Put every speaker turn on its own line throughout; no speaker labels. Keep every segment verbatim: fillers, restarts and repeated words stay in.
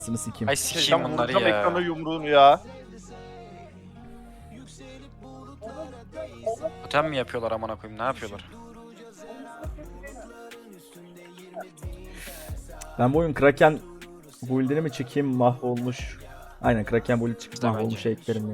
Sını sikeyim.
Ay sikeyim
Şeyden
bunları
vuracağım ekrana
ya.
yumruğunu ya.
Totem mi yapıyorlar amına koyayım, ne yapıyorlar?
Ben bu oyun Kraken build'ini mi çekeyim, mahvolmuş. Aynen, Kraken build çıkıp
Tamam,
mahvolmuş
bence.
eklerim ya.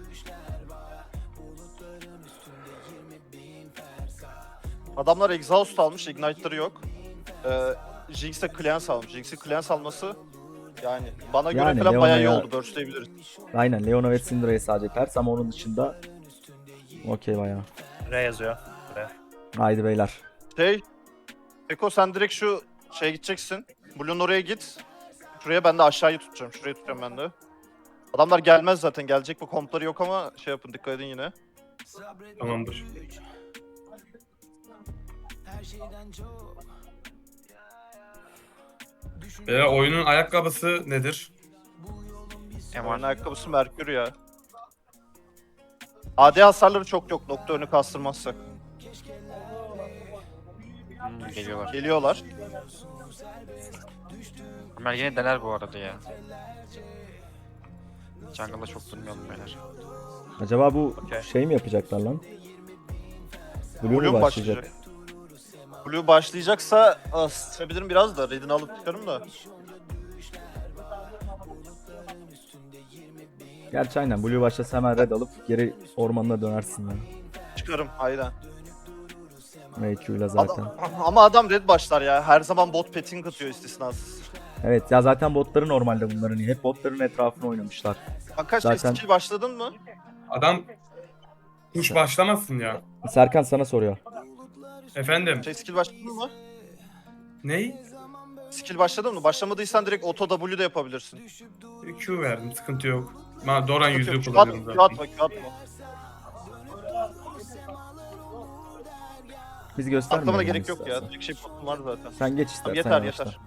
Adamlar exhaust almış, ignite'ları yok. Ee, Jinx de cleanse almış. Jinx'in cleanse alması yani bana göre
Yani
falan bayağı iyi
Leona'ya-
oldu. Burst'leyebiliriz.
Aynen, Leona ve Syndra'yı sadece ters ama onun dışında okey bayağı.
R yazıyor. R.
Haydi beyler.
Şey, Eko sen direkt şu şeye gideceksin. Blue'un oraya git. Şuraya ben de aşağıyı tutacağım. Şurayı tutacağım ben de. Adamlar gelmez zaten. Gelecek bu kompları yok ama şey yapın, dikkat edin yine.
Tamamdır. Beyler oyunun ayakkabısı nedir?
Oyun
Eman.
ayakkabısı Merkür ya. A D hasarları çok yok. Nokta önü kastırmazsak.
Hmm, geliyorlar.
Geliyorlar.
Ömer yine dener bu arada ya. Jungle'da çok durmayalım beyler.
Acaba bu
Okey.
şey mi yapacaklar lan? Blue,
Blue
mu
mu
başlayacak?
başlayacak? Blue başlayacaksa ısıtabilirim biraz da. Red'ini alıp çıkarım da.
Gerçi aynen, Blue başlasa hemen red alıp geri ormanına dönersin ya.
Çıkarım aynen.
M Q ile zaten.
Adam, ama adam red başlar ya. Her zaman bot petting atıyor istisnasız.
Evet ya, zaten botları normalde bunların iyi. Hep botların etrafına oynamışlar.
Kanka şey
Zaten-
skill başladın mı?
Adam kuş başlamasın ya.
Serkan sana soruyor.
Efendim.
Şey skill başladın mı?
Ney?
Skill başladın mı? Başlamadıysan direkt auto W de yapabilirsin.
Q verdim, sıkıntı yok. Ma Doran yüzüğü
Q
kullanıyorum
atma, Q atma,
zaten.
Q atma.
Biz göstermeyelim.
Atlamana gerek yok
istersen.
ya. Direkt şey potum var zaten.
Sen geç istersen.
Tamam, yeter
yavaşla.
yeter.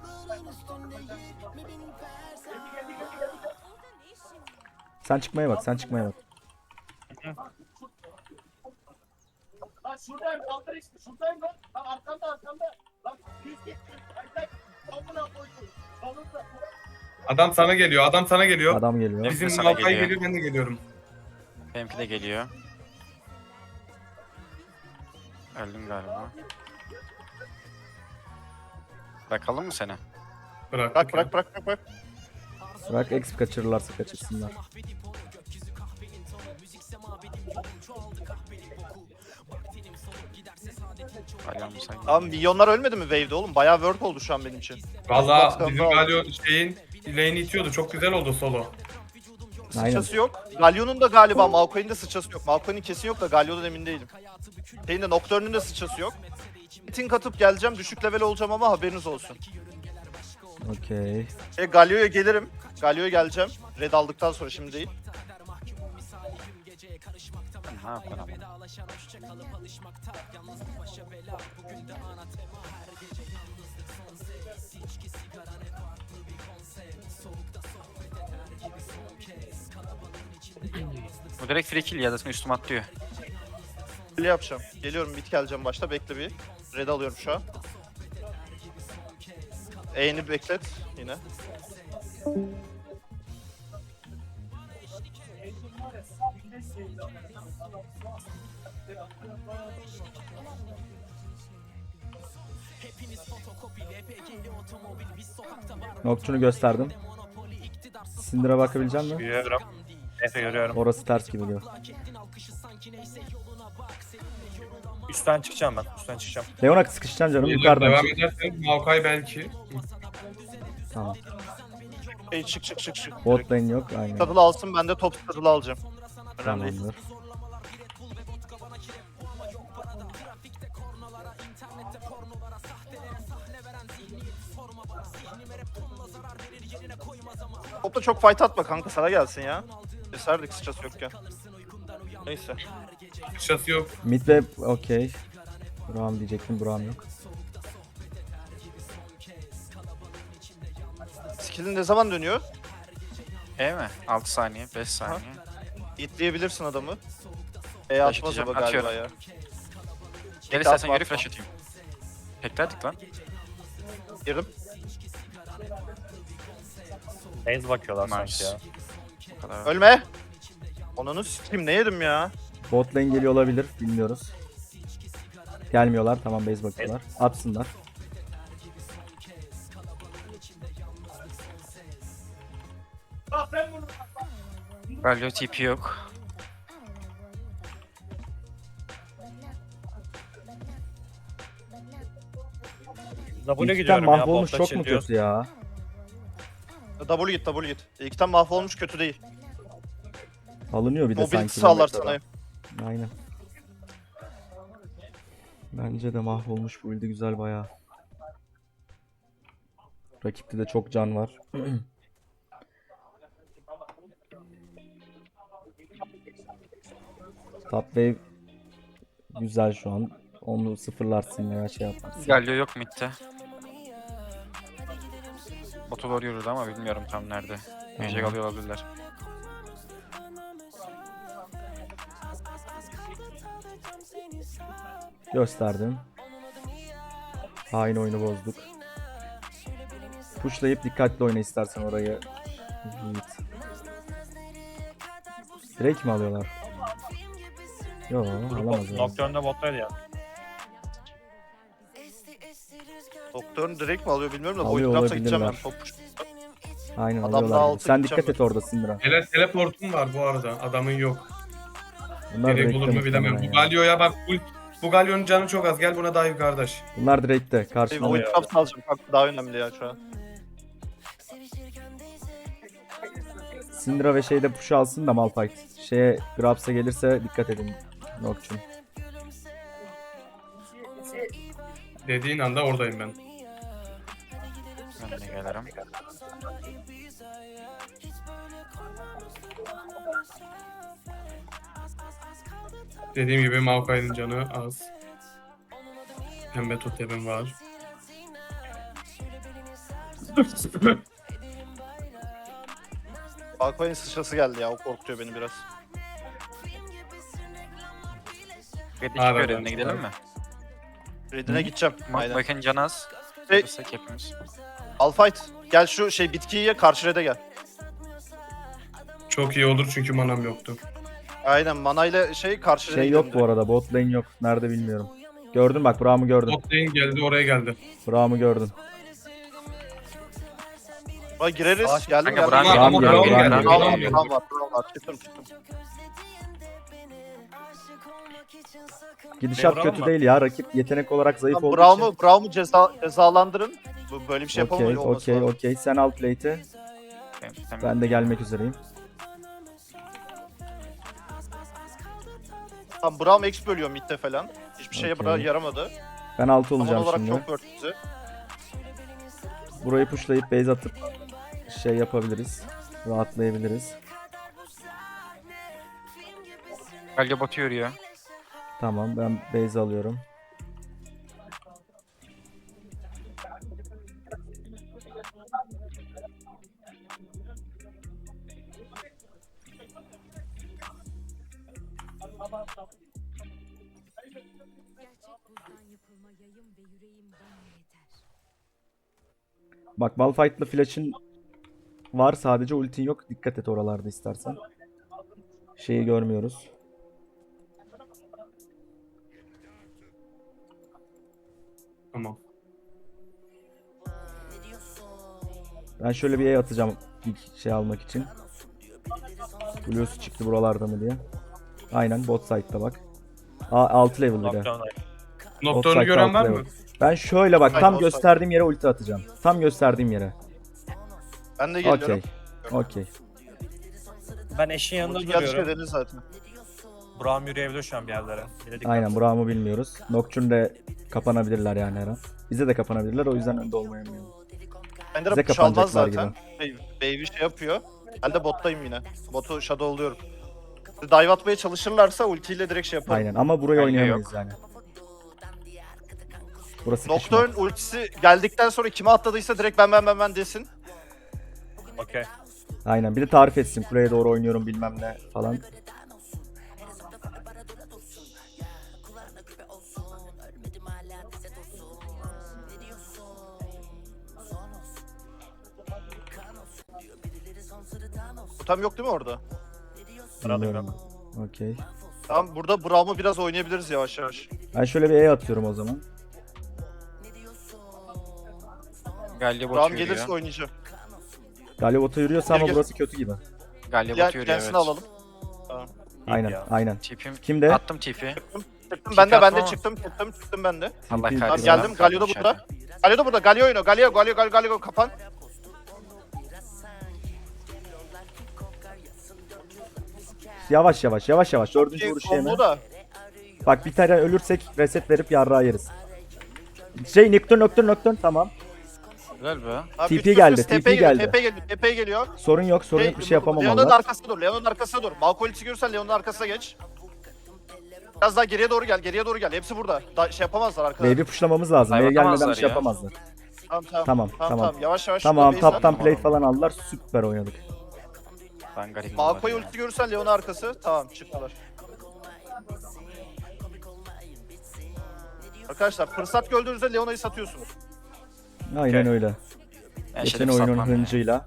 Sen çıkmaya bak, sen çıkmaya bak.
Lan şuradayım, kaldır işte, şuradayım lan. Lan arkamda, arkamda. Lan yüz git. Ay sen, amına koydum. Sonunda.
Adam sana geliyor, adam sana geliyor.
Adam geliyor.
Bizim
Sana
Malkay
geliyor.
geliyor, ben de geliyorum.
Benimki de geliyor. Öldüm galiba. Bırakalım mı seni?
Bırak.
Bırak bırak bırak bırak. bırak.
Bırak, exp kaçırırlarsa kaçırsınlar.
Hala mı sen?
Tamam, milyonlar ölmedi mi wave'de oğlum? Bayağı work oldu şu an benim için.
Valla
Xbox'tan
bizim
da aldım.
Galio şeyin lane'i itiyordu. Çok güzel oldu solo.
Aynen.
Sıçrası yok. Galio'nun da galiba Malkoy'un da sıçrası yok. Malkoy'un kesin yok da Galio'dan emin değilim. Şeyin de Nocturne'ün de sıçrası yok. Tink atıp geleceğim. Düşük level olacağım ama haberiniz olsun.
Okey.
E, Galio'ya gelirim. Galio'ya geleceğim. Red aldıktan sonra, şimdi değil.
Ne yapıyorsun ama? Bu direkt free kill ya, zaten üstüme atlıyor.
Öyle yapacağım. Geliyorum, mid geleceğim başta. Bekle bir. Red alıyorum şu an. E'ni beklet yine.
Nocturne'u gösterdim. Syndra bakabilecek misin?
Görüyorum. Efe görüyorum.
Orası ters gibi diyor.
Üstten çıkacağım ben. Üstten çıkacağım.
Leona sıkışacaksın canım,
Devam
yukarıdan çık.
edersen Malkay belki.
Tamam.
Hey, çık çık çık çık.
Bot lane yok, aynen.
Saddle alsın, ben de top saddle alacağım. Önemli değil.
Tamamdır.
Topla çok fight atma kanka, sana gelsin ya. Keserdik sıçrası yokken. Neyse.
Şası yok.
Mid ve okey. Buram diyecektim, Buram yok.
Skill'in ne zaman dönüyor?
E mi? altı saniye, beş saniye.
İtleyebilirsin adamı. E
Flash
atmaz
atacağım,
ama galiba
atıyorum.
ya.
Gel istersen
atma,
geri
atma.
flash atayım. Beklerdik lan.
Girdim.
Base bakıyorlar
Nice.
sanki ya.
Bu kadar.
Ölme. Onunu sikeyim ne yedim ya?
Bot lane geliyor olabilir. Bilmiyoruz. Gelmiyorlar. Tamam base bakıyorlar. Atsınlar.
Bak ben bunu.
Galio T P yok.
W
İlkten
gidiyorum ya.
mahvolmuş
Botta
çok mu
çiliyoruz.
kötü ya?
W git W git. İlkten mahvolmuş kötü değil.
Alınıyor bir de
Mobility
sanki. bu
sağlar
metada.
sana.
Aynen. Bence de mahvolmuş bu build'i güzel bayağı. Rakipte de çok can var. Top wave güzel şu an. Onu sıfırlarsın veya şey yaparsın.
Galio yok midde. Botu doğru yürüdü ama bilmiyorum tam nerede. Ejek
Tamam.
alıyor olabilirler.
Gösterdim. Hain oyunu bozduk. Pushlayıp dikkatli oyna istersen orayı. Yiğit. Direkt mi alıyorlar? Yo alamaz yani.
Nocturne'da bottaydı ya.
Doktorun direkt mi alıyor bilmiyorum da
Alıyor
boyut yapsa gideceğim ben.
olabilirler.
Top.
Aynen
Adam daha
alıyorlar. gibi.
altı
Sen
gideceğim
dikkat et orada Syndra.
Tele teleportum var bu arada. Adamın yok.
Bunlar
Direkt
direkte
olur mu bilemem.
muhtemelen
Bu
ya.
Galio'ya bak. Bu, bu Galio'nun canı çok az. Gel buna dive kardeş.
Bunlar direkte.
Hey,
Karşılama.
boyut yapsa alacağım. Kanka daha önemli ya şu an.
Syndra ve şeyde push alsın da Malphite. Şeye Grabs'a gelirse dikkat edin. Nocturne.
Dediğin anda oradayım ben.
Ben de gelirim.
Dediğim gibi Maokai'nin canı az. Pembe totemim var.
Balkoyun sıçrası geldi ya o korkutuyor beni biraz.
Red'deki
Abi,
görevine
ben-
gidelim mi?
Redine gideceğim.
Ma
Aynen.
Bakın Canaz.
Hey.
Hey. hepimiz.
Alfight. Gel şu şey bitkiyi ye karşı red'e gel.
Çok iyi olur çünkü manam yoktu.
Aynen manayla şey karşı red'e
Şey
gidelim
yok bu arada. Bot lane yok. Nerede bilmiyorum. Gördün bak Braum'u gördün.
Bot lane geldi oraya geldi.
Braum'u gördün.
Buna gireriz.
Sağ-
Geldim
Kanka
geldim.
Bram
Bram
geliyor.
geliyor,
Bram
Bram
geliyor.
geliyor.
Bram
geliyor.
var, Bram var, Bram var. Çıktım çıktım.
Gidişat
Braum
kötü
var.
değil ya. Rakip yetenek olarak zayıf
Tamam,
olduğu
Braum'u
için.
Braum'u ceza, cezalandırın. Bu böyle bir şey
Okey,
yapamıyor olması
okey,
lazım.
okey. Sen alt late'i. Ben de gelmek üzereyim.
Tamam Braum X bölüyor midde falan. Hiçbir şeye
Okey.
bra- yaramadı.
Ben altı
Tamam
olacağım
olarak
şimdi.
çok worth bizi.
Burayı pushlayıp base atıp şey yapabiliriz. Rahatlayabiliriz.
Galio botu yürüyor.
Tamam ben base alıyorum.
Gerçek buzdan yapılma yayım ve yüreğim bana yeter.
Bak Malphite'lı flash'ın var sadece ultin yok. Dikkat et oralarda istersen. Şeyi görmüyoruz.
Tamam.
Ben şöyle bir E atacağım ilk şey almak için. Blue'su çıktı buralarda mı diye. Aynen bot side'da bak. A altı level bir de.
Nocturne'da.
Nocturne'u
Offside
gören var
altı
mı?
level. Ben şöyle bak tam
Offside.
gösterdiğim yere ulti atacağım. Tam gösterdiğim yere.
Ben de geliyorum.
Okey. Okey.
Ben eşin yanında
Ulti geldi
duruyorum.
dediniz zaten.
Braum yürüyebiliyor şu an bir yerlere. Bir de dikkat.
Aynen Braum'u bilmiyoruz. Nocturne de kapanabilirler yani her an. Bize de kapanabilirler o yüzden önde olmayamıyorum.
Ender
Bize
push almaz
kapanacaklar
zaten. Şey, Baby şey yapıyor. Ben de bottayım yine. Botu shadowluyorum. Dive atmaya çalışırlarsa ultiyle direkt şey yaparım.
Aynen ama burayı
Bence
oynayamayız yani. Burası sıkışma.
Nocturne ultisi geldikten sonra kime atladıysa direkt ben ben ben ben desin.
Okey.
Aynen bir de tarif etsin kuleye doğru oynuyorum bilmem ne falan.
Totem yok değil mi orada?
Herhalde
Bilmiyorum. Okey.
Tamam burada Braum'u biraz oynayabiliriz yavaş yavaş.
Ben şöyle bir E atıyorum o zaman.
Galio bot
Braum
yürüyor.
gelirse oynayacağım.
Galio bota yürüyorsa ama
Gel, gel.
burası kötü gibi.
Galio
Gel,
bot yürüyor
gelsin
evet.
alalım.
Aynen
ya.
aynen.
Tipim.
Kimde?
Attım tipi.
Çıktım ben de ben de
atma.
çıktım çıktım çıktım ben de.
Allah
Tipi-
kahretsin.
Tamam geldim. Galio da burada. Galio da burada. Galio oynuyor. Galio Galio Galio Galio kapan.
Yavaş yavaş yavaş yavaş. Dördüncü vuruş yeme.
Combo da.
Bak bir tane ölürsek reset verip yarrağı yeriz. Şey Nocturne Nocturne Nocturne tamam.
Güzel be.
Abi,
T P
üst üste
geldi,
T
T
P
P
geliyor,
geldi.
T P geliyor. T P geliyor.
Sorun yok sorun yok bir şey yapamam
Leon'un
onlar.
arkasına dur. Leon'un arkasına dur. Malkolis'i görürsen Leon'un arkasına geç. Biraz daha geriye doğru gel. Geriye doğru gel. Hepsi burada. Da şey yapamazlar arkadaşlar.
Wave'i pushlamamız lazım.
Hayır,
Wave gelmeden bir
atamazlar
şey
ya.
yapamazlar.
Tamam tamam.
Tamam
Tamam
tamam.
tamam. Yavaş yavaş.
Tamam
şurada base
taptan
at.
plate falan aldılar. Süper oynadık.
Ben garibim.
Malkoy ulti görürsen Leon'un arkası. Tamam çıktılar. Arkadaşlar fırsat gördüğünüzde Leona'yı satıyorsunuz.
Aynen
Okey.
öyle. Geçen oyunun hıncıyla.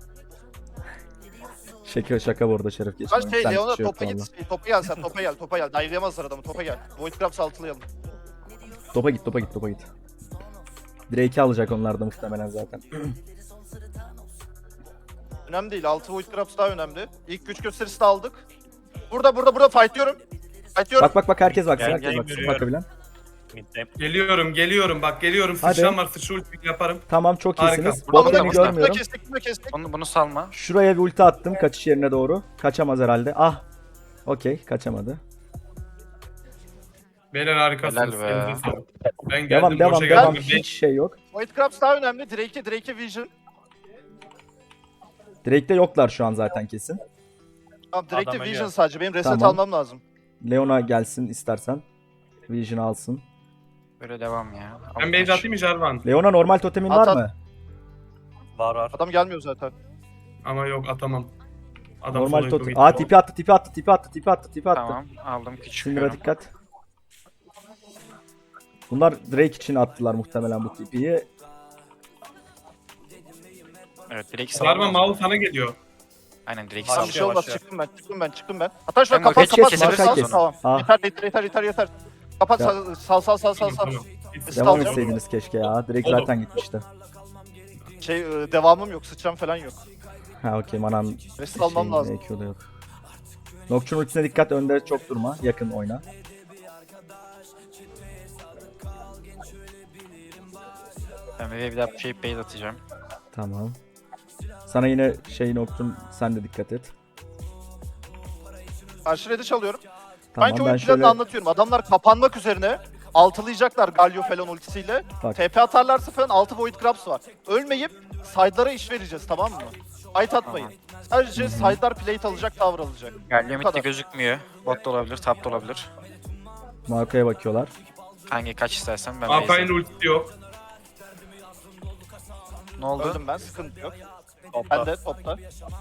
Şaka şaka bu arada Şerif geçen
Kaç
oyun.
şey
Sen
Leon'a
hiç yok
topa
valla.
git. Topa gel sen topa gel topa gel. Dive'layamazlar adamı topa gel. Void Grabs'ı altılayalım.
Topa git topa git topa git. Drake'i alacak onlar da muhtemelen zaten.
Önemli değil. altı Void Grabs daha önemli. İlk güç gösterisi de aldık. Burada burada burada fightlıyorum. Fightlıyorum.
Bak bak bak herkes baksın
Gel,
herkes
gel,
baksın
görüyorum.
bakabilen.
Mid'deyim.
Geliyorum geliyorum bak geliyorum.
Hadi.
Sıçram var sıçra ulti yaparım.
Tamam çok
Harika.
iyisiniz.
Bunu da
Botlarını
kestik, bunu da
görmüyorum.
kestik, bunu da kestik.
Bunu, bunu salma.
Şuraya bir ulti attım kaçış yerine doğru. Kaçamaz herhalde. Ah. Okey kaçamadı.
Beyler harikasınız.
Helal be.
Elinize sağlık. Ben geldim.
Devam devam
boşa
devam.
geldim.
Hiç şey yok.
Void Grabs daha önemli. Drake'e Drake'e Vision.
Drake'de yoklar şu an zaten kesin.
Tamam Drake'e
Adam
Vision
ölüyor.
sadece. Benim reset
Tamam.
almam lazım.
Leona gelsin istersen. Vision alsın.
Böyle devam ya.
Ben base atayım mı Jarvan?
Leona normal totemin
At,
var
at.
mı?
Var var.
Adam gelmiyor zaten.
Ama yok atamam. Adam
Normal
solo
totem.
gitti.
Aa tipi attı tipi attı tipi attı tipi attı tipi attı.
Tamam aldım küçük.
Syndra'a dikkat. Bunlar Drake için attılar muhtemelen bu tipiyi.
Evet direkt
Jarvan
salma.
mal sana geliyor.
Aynen direkt
Tamam
salma.
bir şey olmaz.
başlıyor.
Çıktım ben. Çıktım ben. Çıktım ben. Hatta şuna
Ben
kapat
Markayı
kapat.
kesebiliriz
Sal,
sonra.
Tamam.
Ah.
Yeter yeter yeter yeter yeter. Kapat
Ya.
sal sal sal sal sal. sal.
Tamam. Git.
Biz
Devam
alacağım.
etseydiniz keşke ya. Drake
Oğlum.
zaten gitmişti.
Şey e, devamım yok. Sıçram falan yok.
Ha okey manam
Reset almam
şeyin
lazım.
E Q'da yok. Nocturne ultisine dikkat, önde çok durma. Yakın oyna.
Ben bir bir daha şey base atacağım.
Tamam. Sana yine şey Nocturne sen de dikkat et.
Karşı red'i çalıyorum.
Tamam
Sanki
ben
oyun planını
şöyle
anlatıyorum. Adamlar kapanmak üzerine altılayacaklar Galio falan ultisiyle.
Bak.
T P atarlarsa falan altı Void Grabs var. Ölmeyip side'lara iş vereceğiz tamam mı? Fight atmayın. Sadece side'lar plate alacak, tavır alacak.
Galio
Bu
midde
kadar.
gözükmüyor. Bot da olabilir, top da olabilir.
Marco'ya bakıyorlar.
Hangi kaç istersen ben base
Alpay'ın
atayım.
ultisi yok.
Ne oldu?
Öldüm ben, sıkıntı yok.
Topta.
Ben de topta.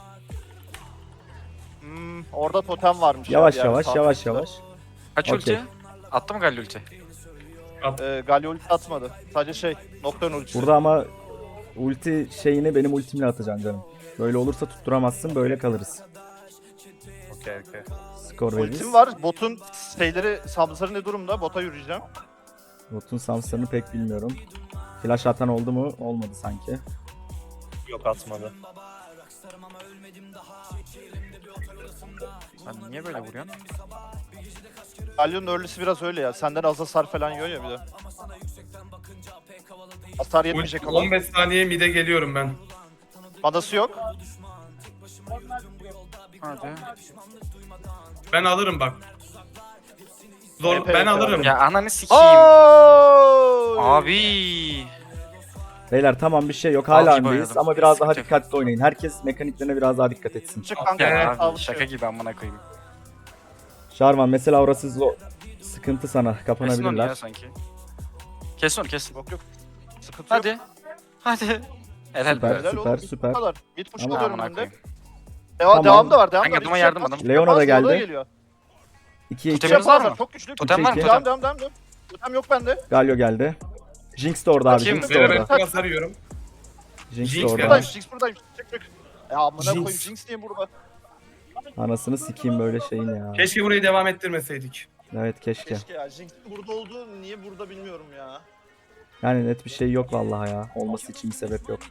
Hmm, orada totem varmış.
Yavaş
ya bir
yavaş
yerde.
yavaş yavaş.
Kaç
Okey.
ulti? Attı mı Galio ulti?
Ee, Galio ulti atmadı. Sadece şey, Nocturne ultisi.
Burada ama ulti şeyini benim ultimle atacaksın canım. Böyle olursa tutturamazsın, böyle kalırız.
Okey okey.
Skor veririz.
Ultim var. Botun şeyleri, Samsar'ı ne durumda? Bota yürüyeceğim.
Botun Samsar'ını pek bilmiyorum. Flash atan oldu mu? Olmadı sanki.
Yok atmadı.
Sen niye böyle vuruyorsun?
Galio'nun early'si biraz öyle ya. Senden az hasar falan yiyor ya bir de. Hasar yetmeyecek
Ulti
ama.
on beş saniye mide geliyorum ben.
Manası yok.
Hadi.
Ben alırım bak. Zor,
Evet,
ben
evet,
alırım.
Ya ananı sikeyim.
Aaaaaa!
Abi.
Beyler tamam bir şey yok. Hala
Avcı
öndeyiz
oynadım.
ama biraz daha
Sıkıntı yok.
dikkatli oynayın. Herkes mekaniklerine biraz daha dikkat etsin.
Çık kanka.
Ya,
evet,
Abi,
sağlık
şaka
şey.
gibi amına koyayım.
Jarvan mesela orası zor. Sıkıntı sana.
Kesin onu ya
Kapanabilirler.
sanki. Kesin onu kesin.
Yok yok. Sıkıntı yok.
Hadi. Hadi. Helal
Süper.
be.
Helal
süper,
oğlum,
süper.
Bu kadar. Mid push
Ama-
alıyorum
Amına
önde.
koyayım.
Devam,
Tamam.
devam da var. Devam
Kanka,
da var.
adama
Hiç
yardım
yapmaz.
adam.
Leona da
Yapmaz, Leona
geldi.
geliyor.
ikiye iki.
Totemimiz var mı?
Çok güçlü.
Totem var mı?
iki.
Devam
Totem.
devam devam. devam. Totem yok bende.
Galio geldi. Jinx de orada abi.
Bakayım.
Jinx de
Beyler ben
orada.
çok hasar yiyorum.
Jinx de
Jinx
orada.
Buradayım.
geldi.
Jinx buradayım. Çık çık. Ya amına
Jinx.
koyayım Jinx niye burada?
Anasını sikeyim böyle şeyin ya.
Keşke burayı devam ettirmeseydik.
Evet keşke.
Keşke ya Jinx burada oldu niye burada bilmiyorum ya.
Yani net bir şey yok vallahi ya. Olması için bir sebep yok.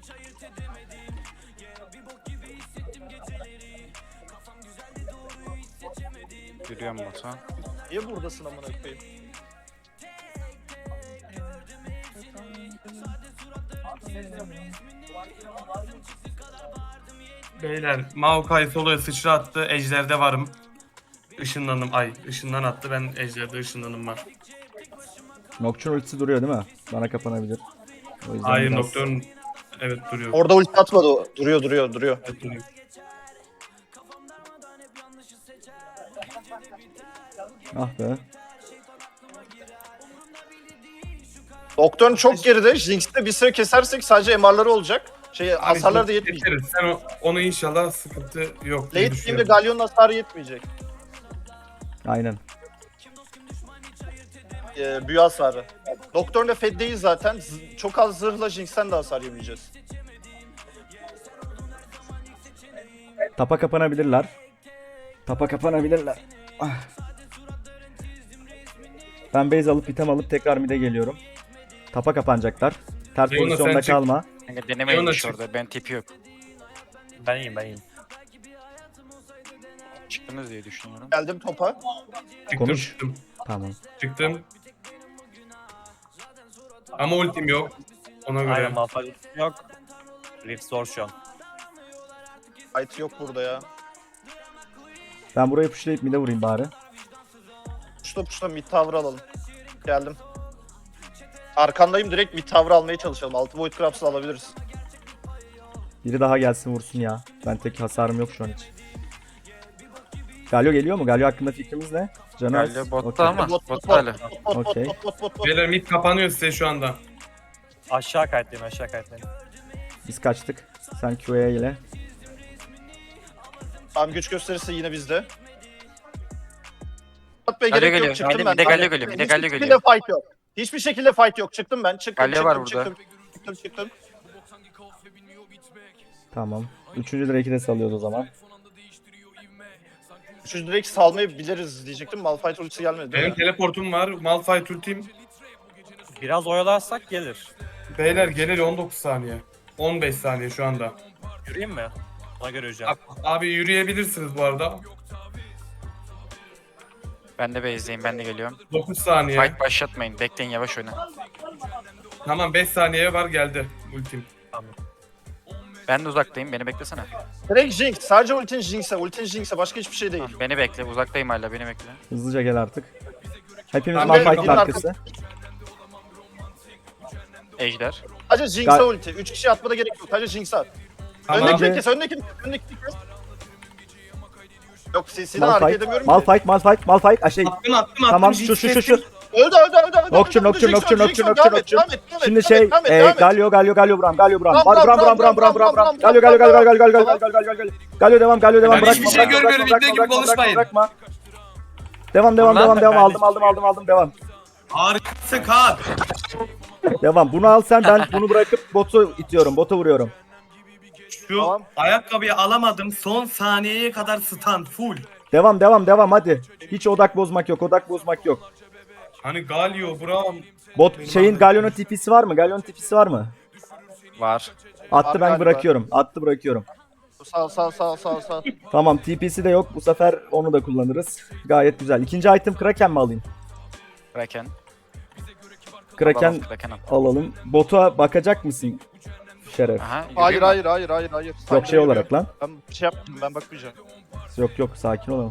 Yürüyorum bota.
Niye buradasın amına koyayım?
Beyler Maokai soloya sıçra attı. Ejder'de varım. Işınlanım. Ay ışından attı. Ben Ejder'de ışınlanım var.
Nocturne ultisi duruyor değil mi? Bana kapanabilir. O yüzden
Hayır
biraz-
Nocturne evet duruyor.
Orada ulti atmadı o. Duruyor duruyor duruyor.
Evet, duruyor.
Ah be.
Doktorun çok geride. Jinx'te bir süre kesersek sadece M R'ları olacak. Şey
Abi,
hasarlar da yetmeyecek.
geçeriz. Sen o- onu inşallah sıkıntı yok diye
Late game'de
düşünüyorum.
Galyon'un hasarı yetmeyecek.
Aynen.
Ee, büyü hasarı. Doktorun da fed değil zaten. Z- çok az zırhla Jinx'ten de hasar yemeyeceğiz.
Tapa kapanabilirler. Tapa kapanabilirler. Ah. Ben base alıp item alıp tekrar mid'e geliyorum. Tapa kapanacaklar. Ters
Leona,
pozisyonda
sen çık.
kalma.
Kanka denemeyin
Leona
iş
çık.
orada. Ben tipi yok.
Ben iyiyim ben iyiyim.
Çıktınız diye düşünüyorum.
Geldim topa.
Çıktım
Konuş.
çıktım.
Tamam.
Çıktım. Ama ultim yok. Ona göre.
Aynen Malphite yok. Rift zor şu an.
Fight yok burada ya.
Ben burayı pushlayıp mid'e vurayım bari.
Puşla puşla mid tower alalım. Geldim. Arkandayım direkt mid tower almaya çalışalım. Altı Void Crabs'ı alabiliriz.
Biri daha gelsin vursun ya. Ben tek hasarım yok şu an hiç. Galio geliyor mu? Galio hakkında fikrimiz ne? Canı az.
Galio botta
Okey.
ama.
Bot, bot,
Botta
bot,
hala.
bot, bot, bot,
Okey.
bot, bot, bot, bot.
Beyler mid kapanıyor size şu anda.
Aşağı kayıtlayayım aşağı kayıtlayayım.
Biz kaçtık. Sen Q'ya ile.
Tamam güç gösterirse yine bizde. Atmaya
Galio
gerek
geliyor.
yok çıktım
Hadi
ben.
bir de Galio
Hadi.
geliyor, bir de
Hiçbir
Galio
şekilde
geliyor.
fight yok. Hiçbir şekilde fight yok. Çıktım ben. Çıktım,
Galio
çıktım,
var burada.
çıktım, çıktım, çıktım.
Tamam. Üçüncü direk'i de salıyoruz o zaman.
Üçüncü direkt salmayı biliriz diyecektim. Malphite ultisi gelmedi. değil
Benim
mi?
teleportum var. Malphite ultim.
Biraz oyalarsak gelir.
Beyler gelir on dokuz saniye. on beş saniye şu anda.
Yürüyeyim mi? Ona göre yürüyeceğim.
Abi yürüyebilirsiniz bu arada.
Ben de base'deyim. Ben de geliyorum.
dokuz saniye.
Fight başlatmayın. Bekleyin yavaş oyna.
Tamam beş saniye var geldi ultim.
Ben de uzaktayım. Beni beklesene.
Direkt Jinx. Sadece ultin Jinx'e. Ultin Jinx'e. Başka hiçbir şey değil.
Tamam, beni bekle. Uzaktayım hala. Beni bekle.
Hızlıca gel artık. Hepimiz
Ben de-
Malphite'in
ben de-
arkası.
Ejder.
Sadece Jinx'e
Gal-
ulti. Üç kişi atmada gerek yok. Sadece Jinx'e at.
Tamam.
Öndekini
Bence-
kes. Öndekini kes. Öndekini kes. Yok sesinden hareket
Malphite,
edemiyorum ki.
Malphite, Malphite, Malphite. Ah, şey.
Attım attım attım.
Tamam
Jinx
şu şu şu
kestim.
şu.
Öldü öldü öldü öldü.
Nocturne,
öldü,
Nocturne,
Jinx
Nocturne,
öldü, Jinx
Nocturne,
öldü. Devam et,
Nocturne.
devam et, devam et,
Şimdi
devam
şey,
et, devam et,
e,
devam et.
Galio, Galio, Galio, Bram, Galio, Bram.
Bram,
Bram,
Bram,
Bram, Bram, Bram, Bram, Bram, Bram. Galio, Galio, Galio, Galio, Galio, Galio, Galio, Galio, Galio. Galio devam, Galio devam.
Ben
Bırakma,
hiçbir şey
bırakma,
görmüyorum,
bırakma,
ibne gibi
bırakma,
konuşmayın.
bırakma, bırakma. Devam, devam,
Ulan
devam,
ben-
devam.
ben
Aldım,
de-
aldım, aldım, aldım. Devam.
Harikasın Kaan.
Devam. Bunu al sen, ben bunu bırakıp botu itiyorum, bota vuruyorum.
Şu
Tamam.
ayakkabıyı alamadım. Son saniyeye kadar stun full.
Devam, devam, devam hadi. Hiç odak bozmak yok, odak bozmak yok.
Hani Galio, Braum.
Bot şeyin Galio'nun tipisi var mı? Galio'nun tipisi var mı?
Var.
Attı
Var
ben
galiba.
bırakıyorum. Attı bırakıyorum.
Sağ sağ sağ sağ sağ.
Tamam T P'si de yok. Bu sefer onu da kullanırız. Gayet güzel. İkinci item Kraken mi alayım?
Kraken.
Kraken
Balon, Kraken al.
alalım. Bota bakacak mısın? Şeref.
Aha,
Hayır
yürüyeyim mi?
hayır hayır hayır hayır.
Yok şey olarak lan.
Ben bir şey yaptım ben bakmayacağım.
Yok yok sakin olalım.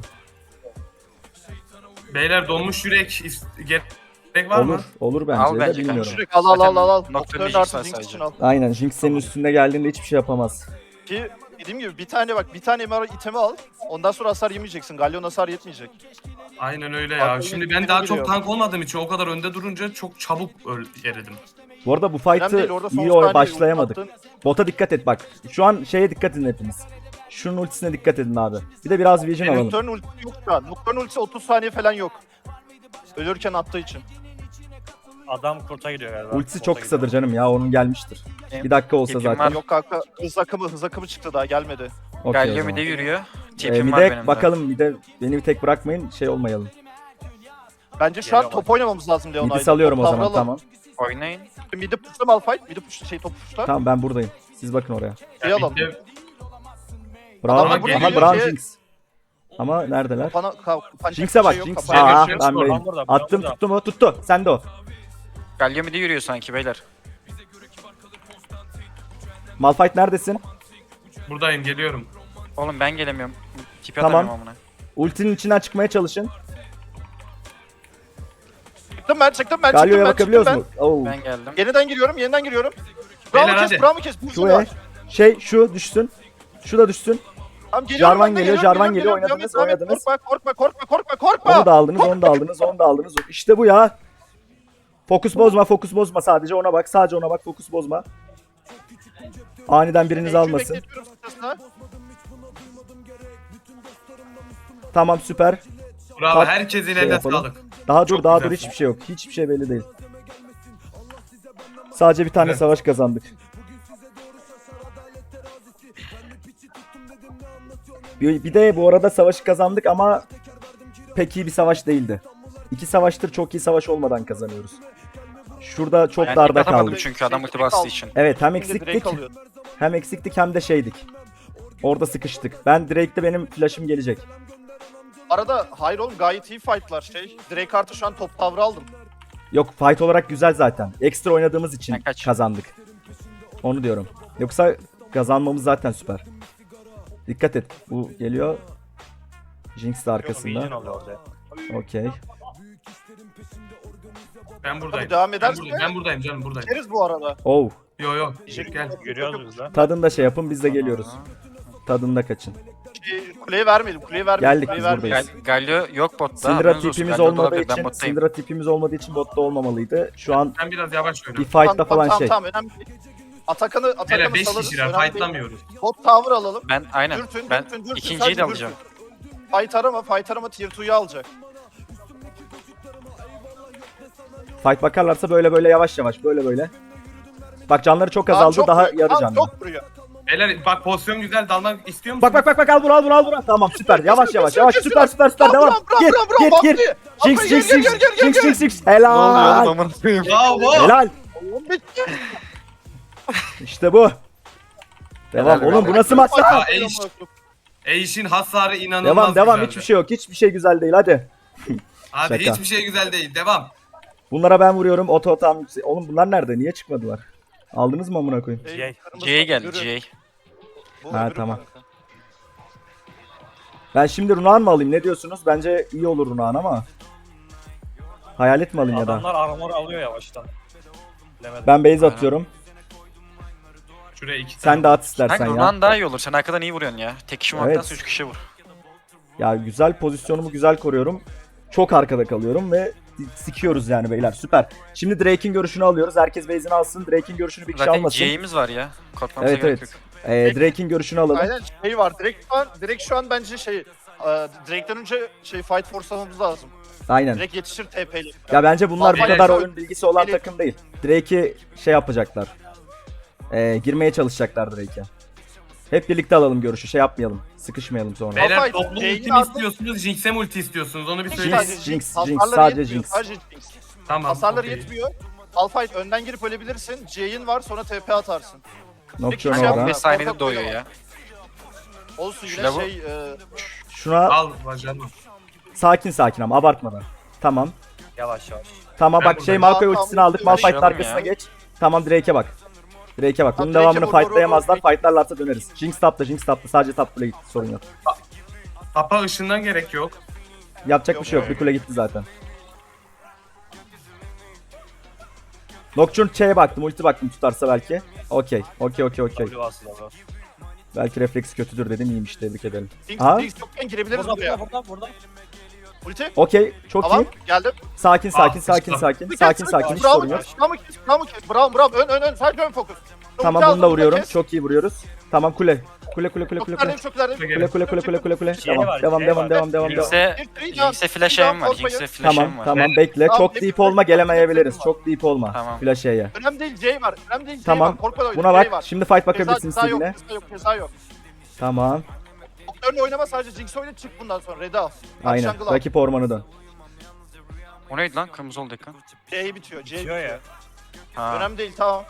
Beyler donmuş yürek is- gerek var
Olur.
mı?
Olur bence
Al
de
bence
bilmiyorum.
kanka.
Direkt al al al al al.
Nocturne
Nocturne
Jinx
artı
var
Jinx
sadece.
için al.
Aynen Jinx senin üstünde geldiğinde hiçbir şey yapamaz.
Ki dediğim gibi bir tane bak bir tane M R itemi al. Ondan sonra hasar yemeyeceksin. Galyon hasar yetmeyecek.
Aynen öyle ya.
Aklıma
Şimdi
bir
ben
şey
daha
geliyor.
çok tank olmadığım için o kadar önde durunca çok çabuk öl eridim.
Bu arada bu
Önemli
fight'ı
değil, orada son
iyi
saniye
başlayamadık.
attın.
Bota dikkat et bak. Şu an şeye dikkat edin hepiniz. Şunun ultisine dikkat edin abi. Bir de biraz vision alalım.
Nocturne ultisi yok şu an. Nocturne ultisi otuz saniye falan yok. Ölürken attığı için.
Adam kurta gidiyor galiba.
Ultisi
Bota
çok kısadır
gidiyor.
canım ya, onun gelmiştir.
Benim
Bir dakika olsa
tipim
zaten.
var.
Yok kanka hız akımı hız akımı çıktı daha gelmedi.
Okey o
Galio
zaman.
mide yürüyor.
Ee,
Tipim
bir
var benim
de
de.
bakalım, bir de beni bir tek bırakmayın, şey olmayalım.
Bence şu an
Geliyor
top oynamamız lazım Leona'yla.
Midi salıyorum o
Top
zaman,
davranalım.
tamam.
Oynayın.
Midi pushla Malphite. Midi push şey top pushla.
Tamam ben buradayım. Siz bakın oraya.
Şey alalım.
Bitti.
Bravo.
Adamlar
buraya
Aha
geliyor
Brown
ki-
Jinx. Ama neredeler?
Bana kapanacak
Jinx'e
bir
bak,
şey yok,
Jinx.
kapanacak
Aa,
bir şey yok.
ben
Buradan
beyim.
burada, buradan
Attım,
burada.
tuttu mu? Tuttu. Sen de o.
Galio mide yürüyor sanki beyler.
Malphite neredesin?
Buradayım, geliyorum.
Oğlum ben gelemiyorum. Tipi
Tamam.
atamıyorum amına.
Ultinin içinden çıkmaya çalışın.
Çıktım ben çıktım ben çıktım
Galio'ya
ben
bakabiliyoruz
çıktım
mu? Oo.
Ben geldim.
ben. Yeniden giriyorum yeniden giriyorum.
Beyler,
Bravo
hadi.
kes bravo kes.
Şu e, şey şu düşsün. Şu da düşsün.
Tamam, geliyorum
Jarvan
ben de,
geliyor,
geliyorum,
Jarvan
geliyorum,
geliyor,
geliyorum.
oynadınız,
Devam et,
oynadınız.
Korkma korkma korkma korkma korkma.
Onu da aldınız, onu da aldınız, onu da aldınız. İşte bu ya. Fokus bozma, fokus bozma, sadece ona bak, sadece ona bak, fokus bozma. Aniden biriniz
Ekşi
almasın.
bekletiyorum sırasına.
Tamam, süper.
Bravo,
Bak,
herkesin
şey
eline
yapalım.
sağlık.
Daha dur,
Çok
daha
güzel.
dur, hiçbir şey yok. Hiçbir şey belli değil. Sadece bir tane
Evet.
savaş kazandık. Bir, bir de bu arada savaşı kazandık ama pek iyi bir savaş değildi. İki savaştır çok iyi savaş olmadan kazanıyoruz. Şurada çok
Ben
darda
tipi atamadım
kaldık.
çünkü adam ulti
Direkt
bastığı
aldım.
için.
Evet, hem
Şimdi
eksiktik,
Drake alıyor.
hem eksiktik hem de şeydik. Orada sıkıştık. Ben Drake'de benim flash'ım gelecek.
Arada hayır oğlum gayet iyi fightlar şey. Drake artı şu an top tavrı aldım.
Yok, fight olarak güzel zaten. Ekstra oynadığımız için
Ben kaç?
kazandık. Onu diyorum. Yoksa kazanmamız zaten süper. Dikkat et. Bu geliyor. Jinx de
Vision
arkasında.
oluyor orada.
Okey.
Ben buradayım.
Tabii devam
Ben
ederse
buradayım, ben buradayım canım, buradayım.
Gideriz bu arada.
Oh.
Yo yo,
Teşekkür
gel.
ederim.
Görüyoruz biz de.
Tadında şey yapın, biz de geliyoruz. Tadında kaçın.
Şey, kuleye vermedim kuleye vermedim.
Geldik,
kuleyi
biz
vermedim.
buradayız.
Gal Galio yok botta.
Syndra
haberiniz olsun.
tipimiz
Galio da
olmadığı
olabilir, ben
için,
bottayım.
Syndra tipimiz olmadığı için botta olmamalıydı. Şu an
Ben biraz yavaş
bir
oynuyorum.
fight'ta
Tamam,
falan
tamam,
şey.
Tamam önemli değil. Atakan'ı
Hele
Atakan'ı
beş
salarız.
kişiler
önemli değil.
fightlamıyoruz.
Bot tower alalım.
Ben aynen.
Dürtün,
Ben
dürtün, dürtün,
ikinciyi
sadece
de alacağım.
dürtün. Fight arama, fight arama tier two'yu alacak.
Fight bakarlarsa böyle böyle yavaş yavaş, böyle böyle. Bak canları çok
Kaan
azaldı,
çok
daha
vuruyor,
yarı
Kaan
canlı.
çok vuruyor.
Beyler bak, pozisyon güzel, dalmak istiyor musun?
Bak bak bak bak, al bunu al bunu al bunu. Tamam, süper. Yavaş yavaş yavaş,
Kesin,
süper süper süper,
Bravo,
devam.
bravo,
Gir
bravo,
gir
bravo,
gir.
Abdi.
Jinx
Abdi,
Jinx
gel,
Jinx
gel, gel, gel,
Jinx
gel.
Jinx Jinx.
Ne oluyor oğlum
Helal.
amına koyayım?
Bravo.
Helal.
Oğlum bitti.
İşte bu. Devam
Helal
oğlum,
be.
bu nasıl maç?
Aa,
Fight
Eş. Eş'in hasarı inanılmaz
Devam devam,
güzeldi.
hiçbir şey yok. Hiçbir şey güzel değil, hadi.
Abi
Şaka.
hiçbir şey güzel değil. Devam.
Bunlara ben vuruyorum. Oto tam yüksek. Oğlum bunlar nerede? Niye çıkmadılar? Aldınız mı amına koyayım?
Ey,
G.
kırmızı
C'ye geldi
yürü.
C'ye.
Bu
Ha,
öbürü
tamam.
kanka.
Ben şimdi Runaan mı alayım? Ne diyorsunuz? Bence iyi olur Runaan ama. Hayalet mi alayım ya da?
Adamlar armor alıyor yavaştan. Bilemedim.
Ben base
Aynen.
atıyorum.
Şuraya iki
Sen de at istersen
Kanka
ya.
Runan daha iyi olur. Sen arkadan iyi vuruyorsun ya. Tek kişi
Evet.
olmaktansa üç kişi vur.
Ya güzel, pozisyonumu güzel koruyorum. Çok arkada kalıyorum ve sikiyoruz yani beyler. Süper. Şimdi Drake'in görüşünü alıyoruz. Herkes base'ini alsın. Drake'in görüşünü bir kişi
Zaten
almasın.
C'imiz var ya. Korkmamıza
Evet
gerek
evet.
yok.
Ee, Drake'in görüşünü alalım.
Aynen şey var. Direkt şu an, direkt şu an bence şey e, Drake'den önce şey fight force'lamamız lazım.
Aynen.
Direkt yetişir T P'li.
Ya bence bunlar bu
Vallahi
kadar
çok-
oyun bilgisi olan
Beni-
takım değil. Drake'i şey yapacaklar. Ee, girmeye çalışacaklar Drake'e. Hep birlikte alalım görüşü. Şey yapmayalım. Sıkışmayalım sonra.
Beyler
Malphite,
toplu
Jane'i
ulti mi
aldım.
istiyorsunuz, Jinx'e mi ulti istiyorsunuz? Onu bir
Jinx,
söyleyin.
sadece
Jinx,
Jinx.
Jinx,
Hasarları
sadece
yetmiyor,
Jinx.
Sadece Jinx.
Tamam.
Hasarları
okey.
yetmiyor. Malphite önden girip ölebilirsin. J'in var sonra T P atarsın.
Nocturne
Şey
orada.
yapma.
on beş saniyede
Korkak
doyuyor
oynama.
ya.
Olsun yine
Şuna bu-
şey e,
Şuna
Al bacanım.
sakin sakin ama abartmadan. Tamam.
Yavaş yavaş.
Tamam
Ben
bak şey
buradayım.
Maokai
Tamam,
ultisini
tamam,
aldık.
bir
Malphite'ın
şey alayım
arkasına
ya.
geç. Tamam Drake'e bak. Drake'e bak. Bunun
Drake'e
devamını
vur, vur, vur,
fightlayamazlar.
vur.
Fightlarlarsa döneriz. Jinx tapta, Jinx tapta. Sadece top kule gitti, sorun yok.
Tapa ışından gerek yok.
Yapacak
Yok,
bir şey yok.
yok.
Bir kule gitti zaten. Nocturne Ç'ye baktım. Ulti baktım tutarsa belki. Okey. Okey okey okey.
W asıl abi.
Belki refleks kötüdür dedim. İyiymiş, tebrik ederim.
Jinx,
Aha.
Jinx yokken girebiliriz
Burada
buraya.
burada burada burada.
Ulti.
Okey. Çok
Tamam
iyi.
geldim.
Sakin sakin
Ah,
sakin
işte.
sakin. Sakin sakin. Hiç sorun yok.
Bravo kes, bravo kes. Bravo bravo ön ön ön sadece ön fokus.
Tamam
Ulti
bunu da
aldım,
vuruyorum.
kes.
Çok iyi vuruyoruz. Tamam kule. Kule kule kule
Çok
kule kule.
ilerideyim, çok ilerideyim.
Kule kule kule kule kule kule.
Şey
Tamam
var,
devam
şey
devam
var.
devam devam devam.
Jinx'e
Bir, bir daha-
Jinx'e flash
bir daha
aim var.
korkmayın.
Jinx'e flash
Tamam
aim var.
tamam bekle.
Tamam,
Çok
bir-
deep olma, gelemeyebiliriz. Çok deep olma.
Tamam.
Flash E'ye.
Önemli değil, J var. Önemli değil, J
Tamam.
var. Korkma da oyna,
Buna
J
bak.
var.
Şimdi fight
Ceza-
bakabilirsin
ceza yok,
istediğine.
ceza yok, ceza yok.
Tamam.
Doktorun oynama, sadece Jinx oyna, çık bundan sonra. Red'i al. Hadi
Aynen.
jungle al.
Rakip ormanı dön.
O neydi lan? Kırmızı oldu ekran.
J bitiyor, J
Bitiyor
bitiyor.
ya.
Ha.
Önemli değil, tamam.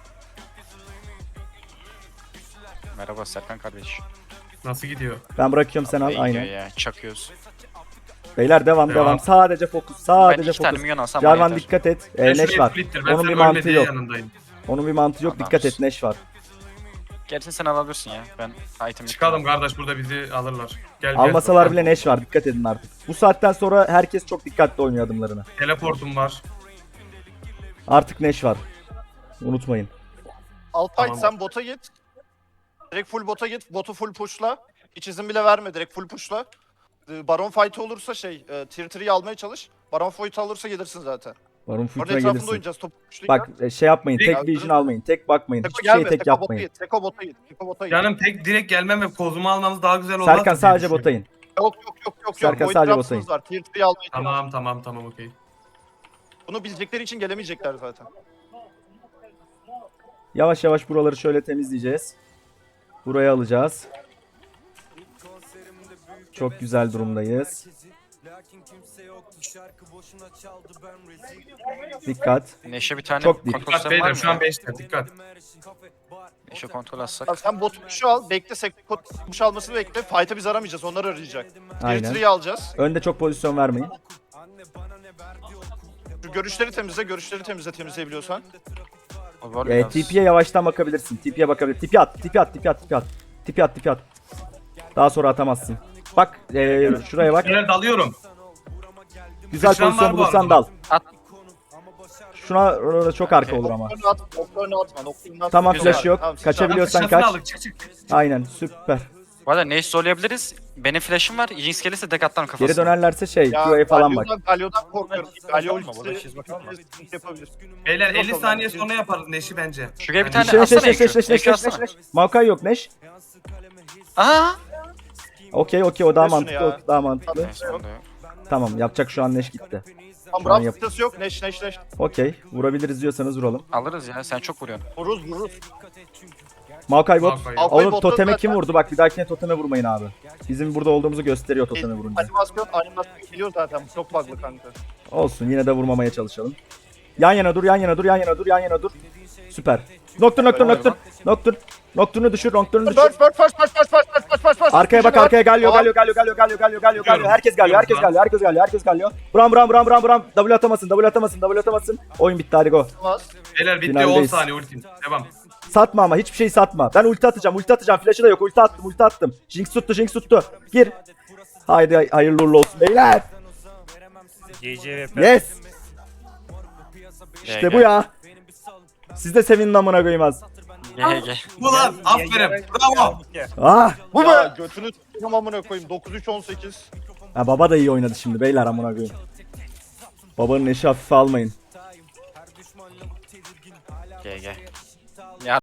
Merhaba Serkan kardeş.
Nasıl gidiyor?
Ben bırakıyorum sen al.
İyi gidiyor
Aynen.
ya. Çakıyoruz.
Beyler devam
Devam.
devam. Sadece fokus.
Ben
Sadece
iki tane
fokus.
minyon alsam bana
Jarvan
yeter.
dikkat et.
Ben
Ee,
şuraya
Neş var.
splittir, ben
Onun bir
senin
mantığı
ölmediği
yok.
yanındayım.
Onun bir mantığı yok. Dikkat et. Neş var.
Gerisini sen alabilirsin ya. Ben item
Çıkalım kardeş, burada bizi alırlar. Gel,
Almasalar
gel.
bile Neş var. Dikkat edin artık. Bu saatten sonra herkes çok dikkatli oynuyor adımlarını.
Teleportum var.
Artık Neş var. Unutmayın.
Alpay
Tamam.
sen bota git. Direkt full bota git. Botu full pushla. Hiç izin bile verme. Direkt full pushla. Ee, Baron fight olursa şey, e, tier three'yi almaya çalış. Baron fight alırsa gelirsin zaten.
Varun
Orada
Fult'a
etrafında
gelirsin.
oynayacağız. Topu pushlayacağız.
Bak e, şey yapmayın.
Direkt
Tek vision
aldırın.
almayın. Tek bakmayın.
Teko
Hiçbir şeye
gelme.
tek
Teko bota
yapmayın.
git. Teko bota git. Teko bota git.
Canım tek direkt gelmem ve kozumu almamız daha güzel olmaz.
Serkan
mı diye
sadece
düşünüyorum.
botayın.
Yok yok yok yok.
Serkan
Void
sadece
Drops'ınız
botayın.
var. Tier three'yi almaya çalış.
Tamam tamam tamam okey.
Bunu bilecekleri için gelemeyecekler zaten.
Yavaş yavaş buraları şöyle temizleyeceğiz. Buraya alacağız. Çok güzel durumdayız. Dikkat.
Neşe bir tane
Çok değil.
kontrol
Dikkat
sistemi var
beyler,
mı?
şu an
ya?
beşte dikkat.
Neşe kontrol
Bak
atsak.
sen bot push'u al. Bekle. Seko push almasını bekle. Fight'ı biz aramayacağız. Onlar arayacak. Tier
Aynen.
three'yi alacağız.
Önde çok pozisyon vermeyin.
Şu görüşleri temizle. Görüşleri temizle temizleyebiliyorsan.
O var
E,
biraz.
T P'ye yavaştan bakabilirsin. T P'ye bakabilir. T P at, T P at, T P at, T P at. T P at, T P at. Daha sonra atamazsın. Bak e, şuraya bak.
Beyler dalıyorum.
Güzel
Sıçran
pozisyon
var bu
bulursan
arada.
dal.
At.
Şuna orada çok arka olur ama.
Noktalarını at. Noktalarını atma. Noktalarını atma.
Tamam
Güzel.
flash yok.
Tamam, sıçan.
Kaçabiliyorsan
Sıçrasını
kaç.
aldık, çık çık.
Aynen süper.
Bu arada Neşe zorlayabiliriz. Benim flash'ım var. Jinx gelirse tek atlarım kafasına.
Geri dönerlerse şey
Ya
Q'ya falan bak.
Galio'dan, Galio'dan korkuyorum. Galio
Bakma, burada
ultisi
çizme kalma.
sıkıntı yapabilir.
Beyler elli
Bakalım.
saniye sonra yaparız Neş'i bence.
Şuraya bir tane
Neş neş
atsana
neş neş
Ekü.
neş neş
Ekü
neş
atsana.
neş. Maokai yok Neş.
Aha.
Okey okey o daha
Ver şunu
mantıklı.
ya.
O daha mantıklı.
Neyse onda yok.
Tamam yapacak şu an Neş gitti.
Tamam
Şu an
Braum
yap-
sıkıntısı yok. Neş neş neş.
Okey vurabiliriz diyorsanız vuralım.
Alırız ya. Sen çok vuruyorsun.
Vururuz vururuz.
Maokai bot.
Maokai.
Maokai
Oğlum
botta
toteme
zaten-
kim vurdu? Bak bir dahakine toteme vurmayın abi. Bizim burada olduğumuzu gösteriyor toteme vurunca.
Animasyon animasyon biliyor zaten. Bu çok bug'lı kanka.
Olsun yine de vurmamaya çalışalım. Yan yana dur, yan yana dur, yan yana dur, yan yana dur. Süper. Nocturne, Nocturne, Nocturne. Nocturne. Nocturne'u düşür, Nocturne'u düşür.
First first first first first first first first first.
Arkaya bak, arkaya geliyor,
Tamam.
geliyor, geliyor, geliyor, geliyor, geliyor, geliyor, geliyor. Herkes geliyor, herkes
Biliyorum
geliyor, herkes geliyor, herkes geliyor. Bram, bram, bram, bram, bram. W atamasın, W atamasın, W atamasın. Oyun bitti, hadi go.
Olmaz.
Beyler bitti, on
Finaldeyiz.
saniye ultim. Devam.
Satma ama hiçbir şey satma. Ben ulti atacağım, ulti atacağım. Flash'ı da yok, ulti attım, ulti attım. Jinx tuttu, Jinx tuttu. Gir. Haydi hayırlı uğurlu olsun beyler.
G C V P.
Yes.
Gel,
İşte bu
gel.
ya. Siz de sevinin amına koyayım az.
Gel gel.
Ulan aferin. Bravo.
Ah.
Bu ya götünü s**tim amına koyayım. dokuz üç on sekiz.
Ha, baba da iyi oynadı şimdi beyler amına koyayım. Babanın eşi hafife almayın.
Gel gel.